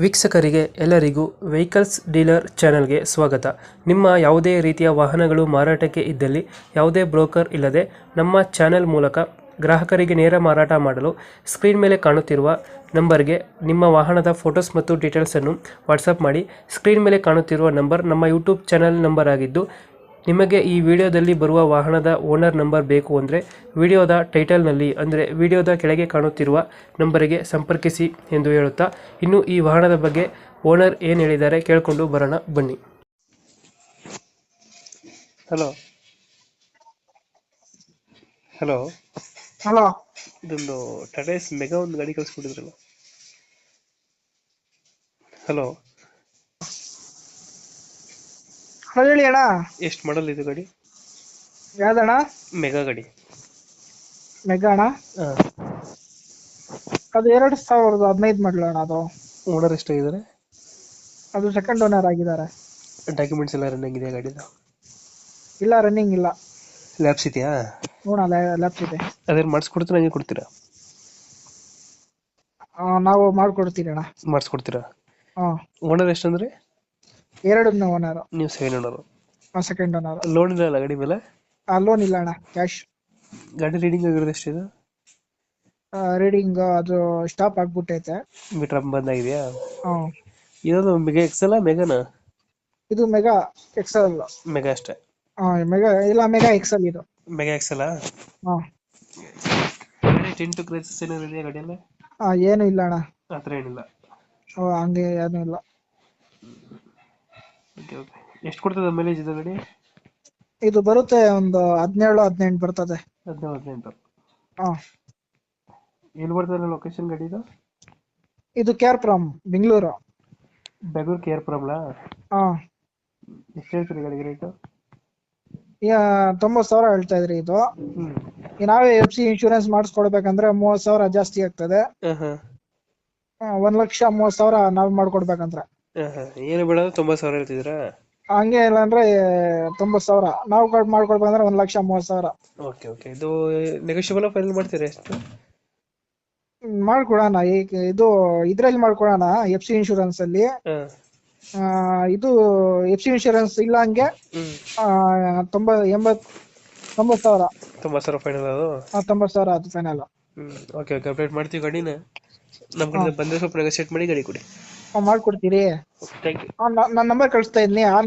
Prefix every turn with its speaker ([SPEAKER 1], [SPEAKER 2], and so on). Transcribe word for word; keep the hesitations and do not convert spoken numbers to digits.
[SPEAKER 1] ವೀಕ್ಷಕರಿಗೆ ಎಲ್ಲರಿಗೂ vehicles dealer ಚಾನೆಲ್ಗೆ ಸ್ವಾಗತ. ನಿಮ್ಮ ಯಾವುದೇ ರೀತಿಯ ವಾಹನಗಳು ಮಾರಾಟಕ್ಕೆ ಇದ್ದಲ್ಲಿ ಯಾವುದೇ ಬ್ರೋಕರ್ ಇಲ್ಲದೆ ನಮ್ಮ ಚಾನೆಲ್ ಮೂಲಕ ಗ್ರಾಹಕರಿಗೆ ನೇರ ಮಾರಾಟ ಮಾಡಲು ಸ್ಕ್ರೀನ್ ಮೇಲೆ ಕಾಣುತ್ತಿರುವ ನಂಬರ್ಗೆ ನಿಮ್ಮ ವಾಹನದ ಫೋಟೋಸ್ ಮತ್ತು ಡೀಟೇಲ್ಸನ್ನು ವಾಟ್ಸಪ್ ಮಾಡಿ. ಸ್ಕ್ರೀನ್ ಮೇಲೆ ಕಾಣುತ್ತಿರುವ ನಂಬರ್ ನಮ್ಮ ಯೂಟ್ಯೂಬ್ ಚಾನೆಲ್ ನಂಬರ್ ಆಗಿದ್ದು, ನಿಮಗೆ ಈ ವಿಡಿಯೋದಲ್ಲಿ ಬರುವ ವಾಹನದ ಓನರ್ ನಂಬರ್ ಬೇಕು ಅಂದರೆ ವಿಡಿಯೋದ ಟೈಟಲ್ನಲ್ಲಿ ಅಂದರೆ ವಿಡಿಯೋದ ಕೆಳಗೆ ಕಾಣುತ್ತಿರುವ ನಂಬರಿಗೆ ಸಂಪರ್ಕಿಸಿ ಎಂದು ಹೇಳುತ್ತಾ, ಇನ್ನು ಈ ವಾಹನದ ಬಗ್ಗೆ ಓನರ್ ಏನು ಹೇಳಿದ್ದಾರೆ ಕೇಳಿಕೊಂಡು ಬರೋಣ ಬನ್ನಿ. ಹಲೋ ಹಲೋ
[SPEAKER 2] ಹಲೋ
[SPEAKER 1] ಇದೊಂದು ಟಾಟಾ ಎಸ್ ಮೆಗಾ ಒಂದು ಗಾಡಿ ಕಳಿಸ್ಕೊಟ್ಟಿದ್ರಲ್ಲ. ಹಲೋ
[SPEAKER 2] ಹೇಳಿ ಅಣ್ಣ.
[SPEAKER 1] ಎಷ್ಟು ಮಾಡಲ್ ಇದು ಗಾಡಿ?
[SPEAKER 2] ಯಾವ್ದಣ್ಣ?
[SPEAKER 1] ಮೆಗಾ ಗಾಡಿ.
[SPEAKER 2] ಮೆಗಾ ಅಣ್ಣ,
[SPEAKER 1] ಹಾಂ,
[SPEAKER 2] ಅದು ಎರಡು ಸಾವಿರದ ಹದಿನೈದು ಮಾಡಲು ಅಣ್ಣ. ಅದು
[SPEAKER 1] ಓನರ್ ಎಷ್ಟಾಗಿದ್ದಾರೆ?
[SPEAKER 2] ಅದು ಸೆಕೆಂಡ್ ಓನರ್ ಆಗಿದ್ದಾರೆ.
[SPEAKER 1] ಡಾಕ್ಯುಮೆಂಟ್ಸ್ ಎಲ್ಲ ರನ್ನಿಂಗ್ ಇದೆಯಾ ಗಾಡಿದು?
[SPEAKER 2] ಇಲ್ಲ, ರನ್ನಿಂಗ್ ಇಲ್ಲ.
[SPEAKER 1] ಲ್ಯಾಬ್ಸ್ ಇದೆಯಾ?
[SPEAKER 2] ನೋಡ ಲ್ಯಾಪ್ಸ್ ಇದೆ.
[SPEAKER 1] ಅದೇನು ಮಾಡಿಸ್ಕೊಡ್ತೀರಾ ಹಂಗೆ ಕೊಡ್ತೀರಾ?
[SPEAKER 2] ಆ, ನಾವು ಮಾಡ್ಕೊಡ್ತೀವಿ ಅಣ್ಣ.
[SPEAKER 1] ಮಾಡಿಸ್ಕೊಡ್ತೀರಾ?
[SPEAKER 2] ಹಾಂ,
[SPEAKER 1] ಓನರ್ ಎಷ್ಟಂದ್ರೆ?
[SPEAKER 2] ಎರಡು ಓನರ್.
[SPEAKER 1] ನೀವು second owner?
[SPEAKER 2] Second owner.
[SPEAKER 1] Loan ಇಲ್ಲ ಅಲ್ಲ ಗಾಡಿ ಮೇಲೆ?
[SPEAKER 2] ಲೋನ್ ಇಲ್ಲ ಅಣ್ಣ, ಕ್ಯಾಶ್.
[SPEAKER 1] ಗಾಡಿ ರೀಡಿಂಗ್ ಆಗಿರೋದು ಎಷ್ಟಿದೆ?
[SPEAKER 2] ರೀಡಿಂಗ್ ಅದು ಸ್ಟಾಪ್ ಆಗ್ಬಿಟ್ಟೈತೆ.
[SPEAKER 1] ಮೀಟರ್ ಬಂದಾಗಿದೆಯಾ?
[SPEAKER 2] ಹಾಂ,
[SPEAKER 1] ಇದೊಂದು ಮೆಗಾ ಎಕ್ಸೆಲ್ ಮೆಗಾನ?
[SPEAKER 2] ಇದು ಮೆಗಾ ಎಕ್ಸೆಲ್.
[SPEAKER 1] ಮೆಗಾ ಅಷ್ಟೇ?
[SPEAKER 2] ಹಾಂ, ಮೆಗಾ ಇಲ್ಲ, ಮೆಗಾ ಎಕ್ಸೆಲ್ ಇದು.
[SPEAKER 1] Mega Excel?
[SPEAKER 2] ಹಾಂ,
[SPEAKER 1] ಗಾಡಿ ಟಿಂಟು ಕ್ರೈಸಸ್ ಏನಾದ್ರು ಇದೆಯಾ ಗಾಡಿಯಲ್ಲಿ?
[SPEAKER 2] ಹಾಂ, ಏನು ಇಲ್ಲ ಅಣ್ಣ.
[SPEAKER 1] ಆ ಥರ ಏನಿಲ್ಲ?
[SPEAKER 2] ಓ, ಹಂಗೆ ಏನೂ ಇಲ್ಲ.
[SPEAKER 1] Okay okay. ಎಷ್ಟು ಕೊಡ್ತದೆ ಮೈಲೇಜ್ ಇದು ಗಾಡಿ?
[SPEAKER 2] ಇದು ಬರುತ್ತೆ ಒಂದು ಹದಿನೇಳು ಹದಿನೆಂಟು ಬರ್ತದೆ.
[SPEAKER 1] ಹದಿನೇಳು ಹದಿನೆಂಟು?
[SPEAKER 2] ಹಾಂ,
[SPEAKER 1] ಎಲ್ಲಿ ಬರ್ತದೆ ಲೊಕೇಶನ್ ಗಾಡಿ ಇದು?
[SPEAKER 2] ಇದು K R Puram, Bengaluru.
[SPEAKER 1] Bengaluru K R ಪುರಂಲಾ?
[SPEAKER 2] ಹಾಂ,
[SPEAKER 1] ಎಷ್ಟು ಹೇಳ್ತೀರಿ ಗಾಡಿಗೆ ರೇಟು?
[SPEAKER 2] ತೊಂಬತ್ತು ಸಾವಿರ ಹೇಳ್ತಾ ಇದ್ರಿ. ಇದು
[SPEAKER 1] ಹ್ಞೂ.
[SPEAKER 2] ಈ ನಾವೇ ಎಫ್ ಸಿ ಇನ್ಶೂರೆನ್ಸ್ ಮಾಡಿಸ್ಕೊಡ್ಬೇಕಂದ್ರೆ ಮೂವತ್ತು ಸಾವಿರ ಜಾಸ್ತಿ ಆಗ್ತದೆ.
[SPEAKER 1] ಹಾಂ ಹಾಂ
[SPEAKER 2] ಆ, ಒಂದ್ ಲಕ್ಷ ಮೂವತ್ತು ಸಾವಿರ ನಾವು ಮಾಡ್ಕೊಡ್ಬೇಕಂದ್ರೆ.
[SPEAKER 1] ಹಾಂ ಹಾಂ ಏನು ಬೇಡ ತೊಂಬತ್ತು ಸಾವಿರ ಹೇಳ್ತಿದ್ದೀರಾ?
[SPEAKER 2] ಹಂಗೆ ಇಲ್ಲ ಅಂದ್ರೆ ತೊಂಬತ್ತು ಸಾವಿರ ನಾವು ಕಟ್ ಮಾಡ್ಕೊಡ್ಬೇಕಂದ್ರೆ ಒಂದ್ ಲಕ್ಷ ಮೂವತ್ತು ಸಾವಿರ.
[SPEAKER 1] Okay okay. ಇದು ನೆಗೋಷಿಯಬಲ್ ಫೈನಲ್ ಮಾಡ್ತೀರಾ ಎಷ್ಟು?
[SPEAKER 2] ಹ್ಮ್, ಮಾಡ್ಕೊಡೋಣ. ಈಗ ಇದು ಇದ್ರಲ್ಲಿ ಮಾಡ್ಕೊಡೋಣ, ಎಫ್ ಸಿ ಇನ್ಶೂರೆನ್ಸ್ ಅಲ್ಲಿ.
[SPEAKER 1] ಹಾಂ.
[SPEAKER 2] ಆ, ಇದು ಎಫ್ ಸಿ ಇನ್ಶೂರೆನ್ಸ್ ಇಲ್ಲ ಹಂಗೆ
[SPEAKER 1] ಹ್ಞೂ.
[SPEAKER 2] ಆ, ತೊಂಬ ಎಂಬತ್ ತೊಂಬತ್ತು ಸಾವಿರ.
[SPEAKER 1] ತೊಂಬತ್ತು ಸಾವಿರ ಫೈನಲ್ ಅದು?
[SPEAKER 2] ಆ, ತೊಂಬತ್ತು ಸಾವಿರ ಅದು ಫೈನಲ್.
[SPEAKER 1] ಹ್ಞೂ. ಓಕೆ ಓಕೆ, ಅಪ್ಡೇಟ್ ಮಾಡ್ತೀವಿ ಗಾಡಿನ. ನಮ್ಮ ಕಡೆ ಬಂದರೆ ಸ್ವಲ್ಪ ನೆಗೋಷಿಯೇಟ್ ಮಾಡಿ ಗಾಡಿ ಕೊಡಿ.
[SPEAKER 2] ಮಾಡ್ಕೊಡ್ತೀರಿ?
[SPEAKER 1] Thank you.
[SPEAKER 2] ನನ್ನ ನಂಬರ್ ಕಳಿಸ್ತಾ ಇದ್ದೀನಿ.